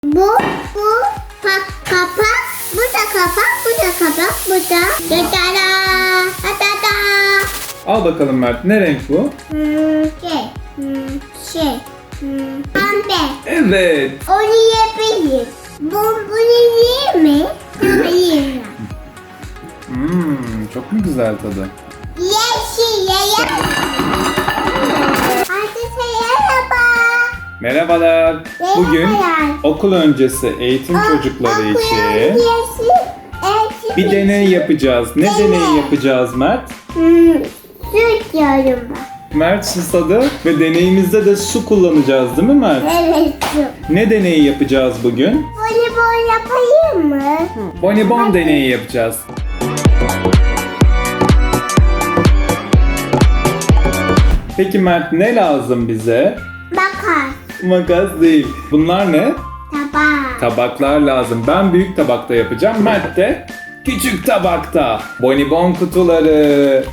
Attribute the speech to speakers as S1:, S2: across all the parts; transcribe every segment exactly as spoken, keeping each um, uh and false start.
S1: Bu, bu pa- kapak, bu da kapak, bu da kapak, bu da da da da da da.
S2: Al bakalım Mert. Ne renk bu?
S1: Hmm, şey, hmm, şey, hmm, pembe.
S2: Evet.
S1: Onu yapayım. Bu, bunu yiyeyim mi? Yiyeyim ben.
S2: Hmm, çok mu güzel tadı?
S1: Yeşil, yeşil. Herkese merhaba.
S2: Merhabalar. Bugün
S1: Merhabalar.
S2: okul öncesi eğitim çocukları için
S1: Yeşil, yeşil.
S2: bir deney yapacağız. Ne
S1: Deney.
S2: deneyi yapacağız Mert?
S1: Hmm, süt yiyorum ben.
S2: Mert susadı ve deneyimizde de su kullanacağız değil mi Mert?
S1: Evet, süt.
S2: Ne deneyi yapacağız bugün?
S1: Voleybol yapayım mı?
S2: Bonibon deneyi yapacağız. Peki Mert ne lazım bize?
S1: Bakar,
S2: Makas değil. Bunlar ne?
S1: tabak.
S2: Tabaklar lazım. Ben büyük tabakta yapacağım. Mert de küçük tabakta. Bonibon kutuları.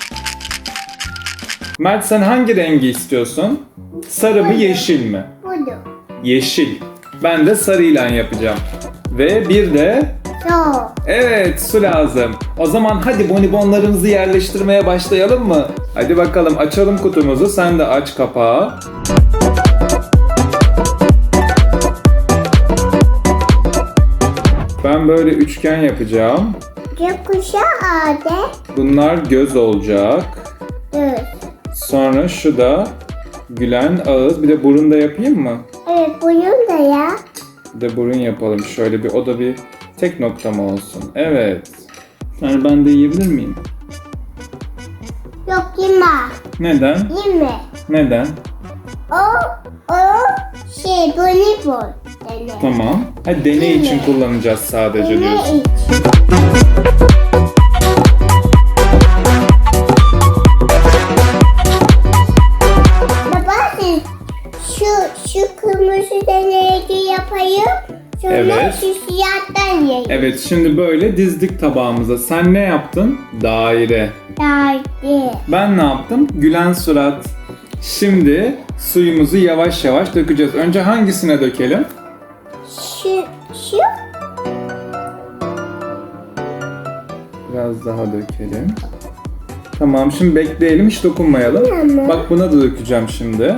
S2: Mert sen hangi rengi istiyorsun? Sarı mı yeşil mi?
S1: Budu.
S2: Yeşil. Ben de sarıyla yapacağım. Ve bir de
S1: So.
S2: evet su lazım. O zaman hadi bonibonlarımızı yerleştirmeye başlayalım mı? Hadi bakalım açalım kutumuzu. Sen de aç kapağı. Ben böyle üçgen yapacağım.
S1: Gökkuşağı ağacı.
S2: Bunlar göz olacak.
S1: Evet.
S2: Sonra şu da gülen ağız. Bir de burun da yapayım mı?
S1: Evet, bunun da ya.
S2: Bir de burun yapalım. Şöyle bir o da bir tek nokta mı olsun? Evet. Yani ben de yiyebilir miyim?
S1: Yok, yeme.
S2: Neden?
S1: Yeme.
S2: Neden?
S1: O, o şey, voleybol. Deney.
S2: Tamam. Hadi deney için
S1: Yeme.
S2: kullanacağız sadece
S1: Deney
S2: diyorsun.
S1: için. Baba, siz şu, şu kırmızı deneyi yapayım. Sonra
S2: Evet.
S1: şu siyahtan yiyeyim.
S2: Evet şimdi böyle dizdik tabağımıza. Sen ne yaptın? Daire.
S1: Derdi.
S2: Ben ne yaptım? Gülen surat. Şimdi suyumuzu yavaş yavaş dökeceğiz. Önce hangisine dökelim?
S1: Şu, şu.
S2: Biraz daha dökelim. Tamam şimdi bekleyelim hiç dokunmayalım.
S1: Tamam.
S2: Bak buna da dökeceğim şimdi.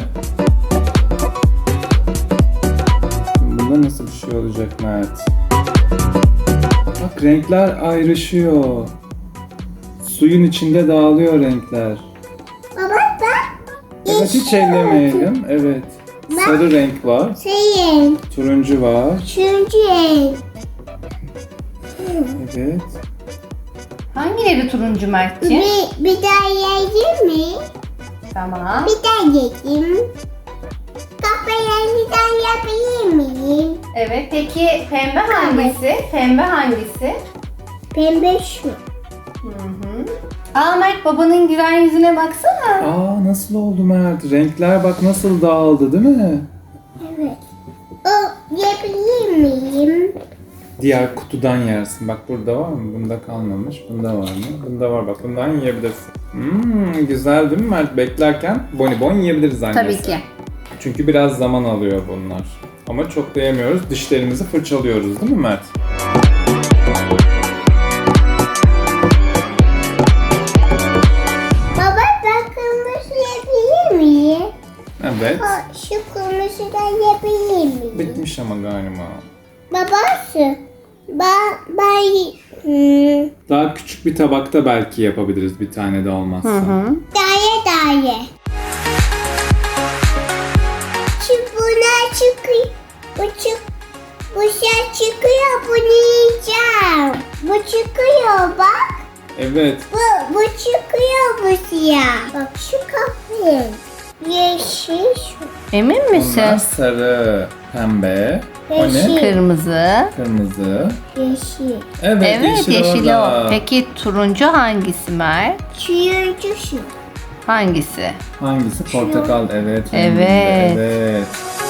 S2: Bunda nasıl bir şey olacak Mert? Bak renkler ayrışıyor. Suyun içinde dağılıyor renkler.
S1: Baba bak.
S2: Evet hiç
S1: yeşil
S2: ellemeyelim. Evet.
S1: Ben-
S2: Sarı renk var.
S1: Şeyin.
S2: Turuncu var.
S1: Üçüncü renk.
S2: Evet.
S3: Hangileri turuncu Mert'ciğim?
S1: Bir, bir daha yiyeyim mi?
S3: Tamam.
S1: Bir daha yiyeyim. Kahverengiden yapayım mı?
S3: Evet, peki pembe hangisi? Pembe hangisi?
S1: Pembe şu.
S3: Hı hı. Aa Mert, babanın gülen yüzüne baksana.
S2: Aa nasıl oldu Mert? Renkler bak nasıl dağıldı değil mi?
S1: Evet. O yapayım miyim?
S2: Diğer kutudan yersin. Bak burada var mı? Bunda kalmamış. Bunda var mı? Bunda var bak. Bundan yiyebilirsin. Hmm, güzel değil mi Mert? Beklerken bonibon yiyebiliriz annesi.
S3: Tabii ki.
S2: Çünkü biraz zaman alıyor bunlar. Ama çok da yemiyoruz. Dişlerimizi fırçalıyoruz değil mi Mert?
S1: Baba ben kırmızı yapayım miyim?
S2: Evet.
S1: O, şu kırmızıdan yapayım miyim?
S2: Bitmiş ama galiba.
S1: Babası. Ben, ben hmm,
S2: Daha küçük bir tabakta belki yapabiliriz bir tane de olmazsa.
S1: daye daye. Şu buna çıkıyor. Bu çık. Bu şey çıkıyor. Bunu yiyeceğim. Bu çıkıyor bak.
S2: Evet.
S1: Bu, bu çıkıyor bu siyah. Bak şu kahve. Yeşil şu.
S3: Emin misin?
S2: Onlar sarı, pembe. O ne?
S1: Yeşil.
S3: Kırmızı.
S2: Kırmızı.
S1: Yeşil.
S2: Evet,
S3: Evet,
S2: yeşil,
S3: yeşili
S2: orada.
S3: o. Peki turuncu hangisi Mert?
S1: Turuncu şu.
S3: Hangisi?
S2: Hangisi? Portakal. Evet.
S3: Evet.
S2: Evet.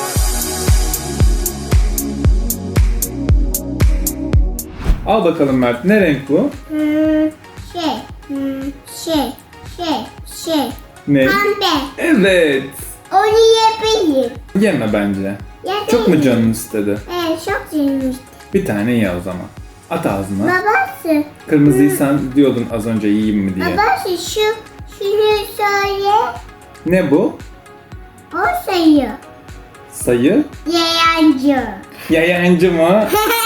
S2: Al bakalım Mert. Ne renk bu?
S1: Hmm, şey. Hmm, şey. Şey. Şey.
S2: Ne?
S1: Pembe.
S2: Evet.
S1: Onu yapayım.
S2: Yeme bence.
S1: Ya
S2: Çok mu
S1: değil.
S2: canın istedi?
S1: Evet çok canım.
S2: Bir tane ye o zaman. At ağzına.
S1: Babası.
S2: Kırmızıyı sen diyordun az önce yiyeyim mi diye.
S1: Babası şu şunu söyle.
S2: Ne bu?
S1: O sayıyor.
S2: Sayı?
S1: Yayancı.
S2: Yayancı mı?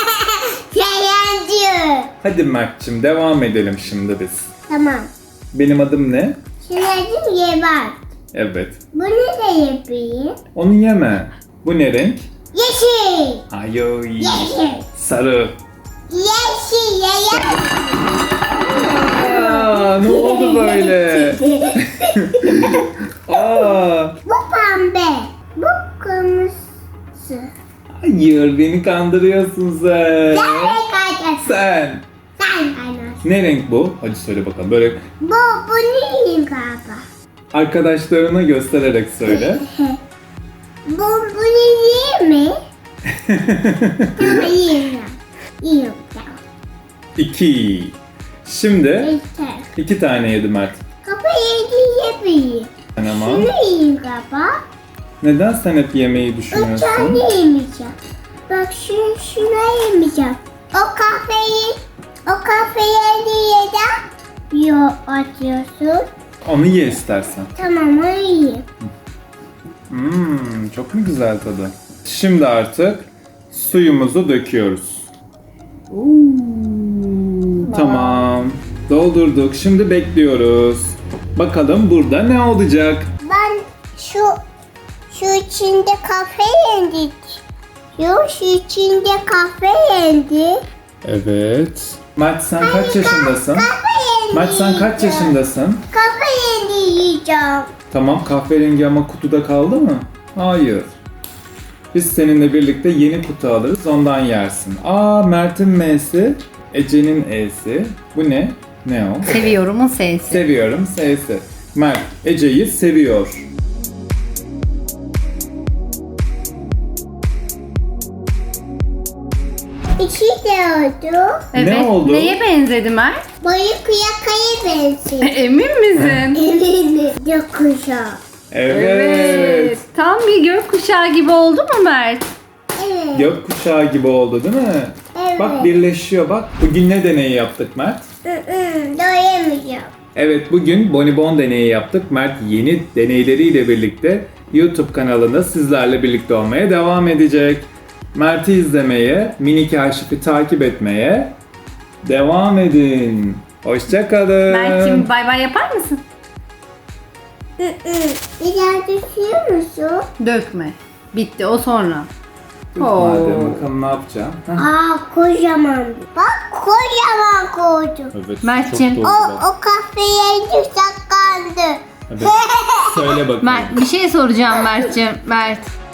S1: Yayancı.
S2: Hadi Mert'cim devam edelim şimdi biz.
S1: Tamam.
S2: Benim adım ne?
S1: Şimdi adım Yebat.
S2: Evet.
S1: Bunu da yapayım.
S2: Onu yeme. Bu ne renk?
S1: Yeşil.
S2: Ay
S1: Yeşil.
S2: sarı.
S1: Yeşil. Yayan.
S2: Aa, ne oldu böyle? Aa,
S1: Bu pembe. Bu kırmızı.
S2: hayır beni kandırıyorsun sen.
S1: Sen ne kaçarsın?
S2: Sen.
S1: Sen kaynarsın.
S2: Ne renk bu? Hadi söyle bakalım. Böyle
S1: Bu, bu neyim galiba?
S2: arkadaşlarına göstererek söyle.
S1: Bu, bu ne mi? Tamam yiyeyim ben. Yiyeyim tamam.
S2: İki. Şimdi
S1: Yeter.
S2: iki tane yedi Mert.
S1: Kafa yedi yapayım.
S2: Ama
S1: Şunu yiyeyim galiba.
S2: neden sen hep yemeyi
S1: O
S2: düşünüyorsun?
S1: tane yemeyeceğim. Bak şunu, şuna yemeyeceğim. O kahveyi, o kahveyi yeden yo atıyorsun.
S2: Onu ye istersen.
S1: Tamam onu yiyeyim.
S2: Hmm, çok mu güzel tadı? Şimdi artık suyumuzu döküyoruz. Tamam. Doldurduk. Şimdi bekliyoruz. Bakalım burada ne olacak?
S1: Ben şu şu içinde kahve yendik. Yo şu içinde kahve yendi.
S2: Evet. Mert sen kaç yaşındasın?
S1: Kahve yendi.
S2: Mert sen kaç
S1: yiyeceğim.
S2: yaşındasın?
S1: Kahve yendi yiyeceğim.
S2: Tamam kahverengi ama kutuda kaldı mı? Hayır. Biz seninle birlikte yeni kutu alırız ondan yersin. Aa Mert'in M'si, Ece'nin E'si. Bu ne? Ne o?
S3: Seviyorumun sesi.
S2: Seviyorum S'si. Mert Ece'yi seviyor.
S1: İki de oldu.
S3: Evet.
S2: Ne oldu?
S3: Neye benzedi Mert?
S1: Boyu kıyakaya benziyor.
S3: Emin misin?
S1: Eminim. Yokuşa.
S2: Evet.
S3: Tam bir gökkuşağı gibi oldu mu Mert?
S1: Evet.
S2: Gökkuşağı gibi oldu değil mi?
S1: Evet.
S2: Bak birleşiyor bak. Bugün ne deneyi yaptık Mert?
S1: Hı hı, doyamayacağım.
S2: Evet bugün Bonibon deneyi yaptık. Mert yeni deneyleriyle birlikte YouTube kanalında sizlerle birlikte olmaya devam edecek. Mert'i izlemeye, mini kaşifi takip etmeye devam edin. Hoşçakalın.
S3: Mert'cim bay bay yapar mısın?
S1: Hı hı. Bir daha düşüyor musun?
S3: Dökme. Bitti o sonra.
S2: Madem bakalım ne yapacağım. Heh.
S1: Aa kocaman. Bak kocaman koydum.
S2: Evet,
S3: Mert'cim.
S2: çok
S1: O,
S2: doğru bak.
S1: o kahveyi saklandı.
S2: Evet. Söyle bakalım.
S3: Mert bir şey soracağım Mert'cim. Mert.